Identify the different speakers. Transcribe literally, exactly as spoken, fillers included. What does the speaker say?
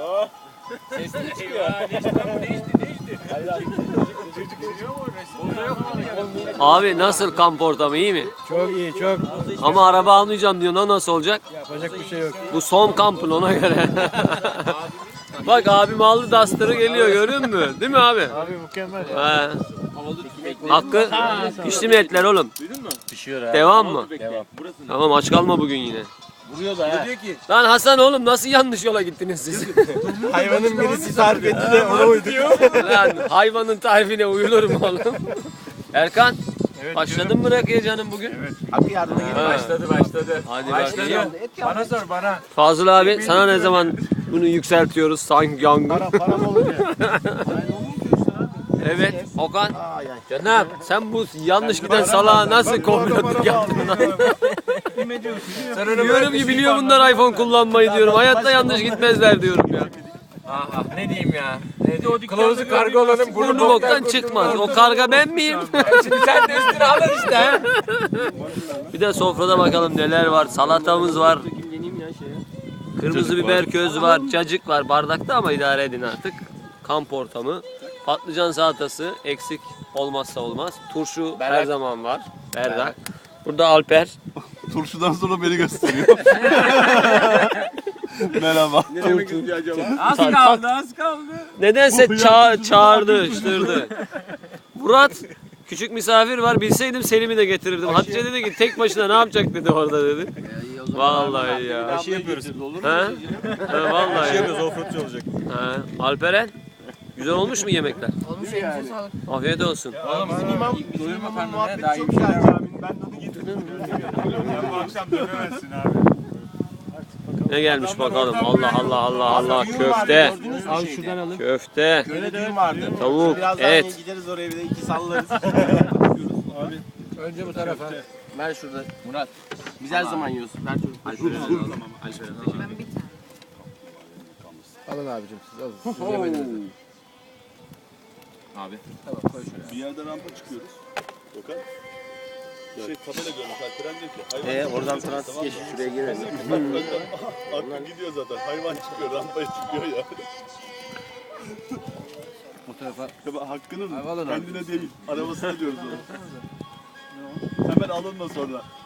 Speaker 1: Ses ne çıkıyor? Değişti lan bu değişti değişti.
Speaker 2: Abi nasıl kamp ortamı, iyi mi?
Speaker 3: Çok iyi, çok.
Speaker 2: Ama araba almayacağım diyor. O nasıl olacak?
Speaker 3: Yapacak bir şey yok.
Speaker 2: Bu son kampın, ona göre. Bak abim aldı Duster'ı geliyor, görüyor musun? Değil mi abi?
Speaker 3: Abi mükemmel.
Speaker 2: He. Hakkı pişti mi etler oğlum?
Speaker 4: Pişiyor ha.
Speaker 2: Devam mı?
Speaker 4: Devam.
Speaker 2: Tamam, aç kalma bugün yine.
Speaker 4: Vuruyor da ha.
Speaker 2: Lan Hasan oğlum, nasıl yanlış yola gittiniz siz?
Speaker 3: Hayvanın birisi tarif etti de ona uyduk.
Speaker 2: Lan hayvanın tarifine uyulur mu oğlum? Erkan, başladın mı rakıya canım bugün?
Speaker 4: Abi yardıma gelin.
Speaker 2: Ha.
Speaker 1: Başladı başladı.
Speaker 2: Hadi
Speaker 1: Başladı.
Speaker 2: bakayım.
Speaker 1: Bana sor bana.
Speaker 2: Fazıl abi, sana ne zaman bunu yükseltiyoruz sanki yangın?
Speaker 3: Para, param olunca.
Speaker 2: Evet, Okan. Canım, sen bu yanlış giden salağa nasıl kombinatlık yaptın lan? Diyorum ki biliyor bunlar iPhone kullanmayı diyorum. Hayatta yanlış gitmezler diyorum ya.
Speaker 1: Aha ne diyeyim ya. Ne diyeyim? Kılavuzu karga olanın
Speaker 2: Burnu boktan çıkmaz. O karga ben miyim?
Speaker 1: Şimdi sen de üstüne alın işte.
Speaker 2: Bir de sofrada bakalım neler var. Salatamız var. Kırmızı biber köz var. Cacık var bardakta ama idare edin artık. Kamp ortamı. Patlıcan salatası eksik olmazsa olmaz. Turşu her zaman var. Berdak. Burada Alper.
Speaker 5: Turşudan sonra beni gösteriyor. Merhaba.
Speaker 1: Ne demek istiyor acaba? Az kaldı az kaldı.
Speaker 2: Nedense ça çağırdı, çığırdı. Murat, küçük misafir var. Bilseydim Selim'i de getirirdim. Hatice dedi ki tek başına ne yapacak dedi orada dedi. Vallahi ya.
Speaker 5: Şey yapıyoruz.
Speaker 2: He? He, vallahi.
Speaker 5: Şey yapıyoruz, offroadçu olacak.
Speaker 2: He. Alperen, güzel olmuş mu yemekler?
Speaker 6: Olmuş elinize sağlık.
Speaker 2: Afiyet olsun.
Speaker 5: Bizim imam,
Speaker 1: Doyurma karnını
Speaker 5: muhabbeti
Speaker 1: daha iyi
Speaker 5: çok
Speaker 1: bir şeyler
Speaker 5: güzel
Speaker 1: var.
Speaker 5: abi. Ben de onu getirdim. Sen bu akşam dönemezsin abi.
Speaker 2: Ne gelmiş bakalım. Allah Allah Allah Allah. Köfte.
Speaker 3: Al şuradan alın.
Speaker 2: Köfte.
Speaker 5: Öyle düğün vardı.
Speaker 2: Tavuk,
Speaker 5: Birazdan
Speaker 2: et.
Speaker 5: gideriz oraya bir de iki sallarız.
Speaker 3: Önce bu tarafa.
Speaker 4: Ver şurada. Murat. Biz her zaman yiyoruz. Ver çocuk. Alper'e al. Alper'e al.
Speaker 6: Ben bir tane.
Speaker 3: Alın abicim siz alın. Siz yemediniz.
Speaker 4: Abi.
Speaker 5: Bir yerde rampa çıkıyoruz. Okan. Şey tabela görmüş Alperen diyor ki. Hayvan
Speaker 4: Ee,
Speaker 5: çıkıyor.
Speaker 4: oradan transit geçip şuraya girelim.
Speaker 5: Bak bak bak. Aklı gidiyor zaten. Hayvan çıkıyor. Rampaya çıkıyor ya.
Speaker 3: Bu tarafa.
Speaker 5: Ya bak, hakkının
Speaker 3: Hayvan alın abi.
Speaker 5: kendine değil. Arabasına diyoruz onu. Hemen alınma sonra.